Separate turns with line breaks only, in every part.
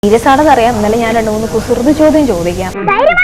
Serious ആണെന്ന് അറിയാം. ഇന്നലെ ഞാൻ 2-3 കുസൃതി ചോദ്യം ചോദിക്കാം.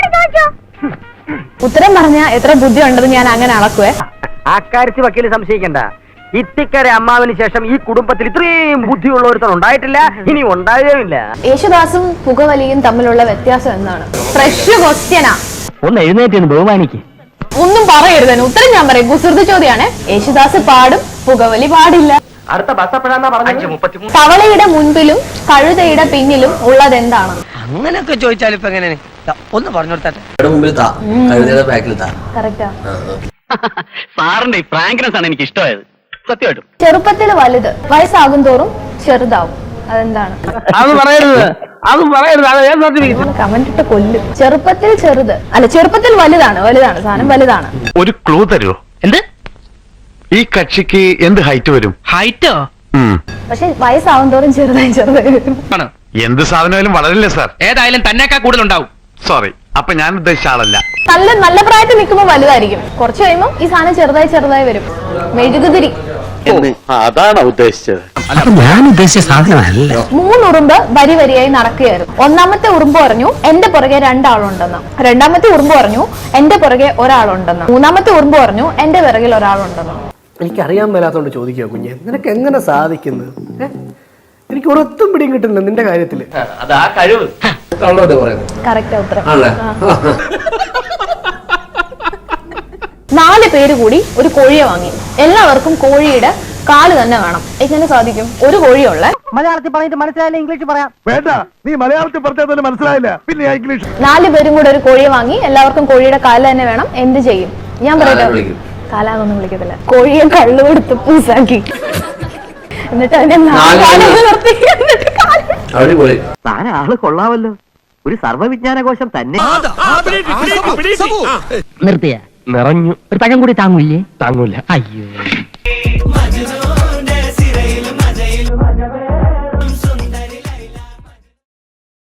ഉത്തരം പറഞ്ഞാൽ എത്ര ബുദ്ധി ഉണ്ടെന്ന് ഞാൻ അങ്ങനെ അളക്കുവേ.
അക്കാര്യത്തിൽ വക്കീല് സംശയിക്കണ്ട. ഇത്തിക്കര അമ്മാവിന് ശേഷം ഈ കുടുംബത്തിൽ ഇത്രയും ബുദ്ധിയുള്ള ഒരുത്തൻ ഉണ്ടായിട്ടില്ല, ഇനി ഉണ്ടാകുകയില്ല.
യേശുദാസും പുകവലിയും തമ്മിലുള്ള വ്യത്യാസം എന്താണ്? ഫ്രഷ് ക്വസ്റ്റ്യനാ.
ഒന്ന് എഴുന്നേറ്റ് ബഹുമാനിക്ക്.
ഒന്നും പറയരുത്, ഉത്തരം ഞാൻ പറയും. കുസൃതി ചോദ്യാണ്. യേശുദാസ് പാടും, പുകവലി പാടില്ല.
അടുത്ത ബസ് എപ്പോഴാന്നാ പറഞ്ഞത്?
തവളയുടെ മുൻപിലും കഴുതയുടെ പിന്നിലും ഉള്ളത് എന്താണ്?
അങ്ങനെയൊക്കെ ചോദിച്ചാൽ ഇപ്പൊ എങ്ങനെ ഒന്ന് പറഞ്ഞു കൊടുത്താട്ടെ.
കറക്റ്റാ.
സാറിന്റെ ഫ്രാങ്ക്നെസ് ആണ് എനിക്ക് ഇഷ്ടമായത്, സത്യമായിട്ടും.
ചെറുപ്പത്തിൽ വലുത്, വയസ്സാകും തോറും ചെറുതാവും. അതെന്താണ്?
അത് പറയരുത്, അത് പറയരുത്.
കമന്റ് ഇട്ട് കൊല്ലും. ചെറുപ്പത്തിൽ ചെറുത് അല്ല, ചെറുപ്പത്തിൽ വലുതാണ്. വലുതാണ് സാധനം, വലുതാണ്.
ഒരു ക്ലൂ തരുമോ?
എന്ത്?
ഈ കക്ഷിക്ക് എന്ത് ഹൈറ്റ് വരും?
ഹൈറ്റോ?
പക്ഷെ വയസ്സാവും തോറും ചെറുതായി ചെറുതായി വരും.
എന്ത് സാധനമായാലും വളരില്ലേ സാർ?
ഏതായാലും തന്നെക്കാ കൂടുതലുണ്ടാവും.
സോറി, അപ്പൊ ഞാൻ ഉദ്ദേശിച്ച ആളല്ല.
നല്ല പ്രായത്തിൽ നിൽക്കുമ്പോൾ വലുതായിരിക്കും. കുറച്ച് കഴിയുമ്പോൾ ഈ സാധനം ചെറുതായി ചെറുതായി വരും. മെഴുകുതിരി.
അതാണ് ഉദ്ദേശിച്ചത്.
ഞാൻ ഉദ്ദേശിച്ച സാധനമല്ല.
3 ഉറുമ്പ് വരി വരിയായി നടക്കുകയായിരുന്നു. ഒന്നാമത്തെ ഉറുമ്പ് പറഞ്ഞു എന്റെ പുറകെ 2 ആളുണ്ടെന്ന്. രണ്ടാമത്തെ ഉറുമ്പ് പറഞ്ഞു എന്റെ പുറകെ ഒരാളുണ്ടെന്ന്. മൂന്നാമത്തെ ഉറുമ്പ് പറഞ്ഞു എന്റെ പിറകിൽ ഒരാളുണ്ടെന്ന്.
എനിക്കറിയാൻ മേലാത്തോണ്ട് ചോദിക്കുക കുഞ്ഞെ, നിനക്ക് എങ്ങനെ സാധിക്കുന്നത്? എനിക്ക് ഒരൊത്തും പിടിയും കിട്ടുന്നില്ല നിന്റെ കാര്യത്തില്.
അതാ കഴിവ്.
കറക്റ്റ് ഉത്തരം. 4 പേര് കൂടി ഒരു കോഴിയെ വാങ്ങി. എല്ലാവർക്കും കോഴിയുടെ കാല് തന്നെ വേണം. എങ്ങനെ സാധിക്കും? ഒരു കോഴിയുള്ള.
മലയാളത്തിൽ പറഞ്ഞിട്ട് മനസ്സിലായില്ല, ഇംഗ്ലീഷ് പറയാം.
വേണ്ട, നീ മലയാളത്തിൽ പറഞ്ഞാൽ മനസ്സിലായില്ല, പിന്നെ ഇംഗ്ലീഷ്.
4 പേരും കൂടെ ഒരു കോഴിയെ വാങ്ങി. എല്ലാവർക്കും കോഴിയുടെ കാല് തന്നെ വേണം. എന്ത് ചെയ്യും? ഞാൻ പറയട്ടെ. കാലാകൊന്നും വിളിക്കത്തില്ല. കോഴിയെ കള്ളു കൊടുത്ത് പൂസാക്കി. എന്നിട്ട് അതിനെ നിർത്തി.
താൻ ആള് കൊള്ളാമല്ലോ, ഒരു സർവ്വവിജ്ഞാനകോശം തന്നെ.
നിർത്തിയ നിറഞ്ഞു. ഒരു പഴം കൂടി താങ്ങൂല്ലേ? താങ്ങൂല. അയ്യോ.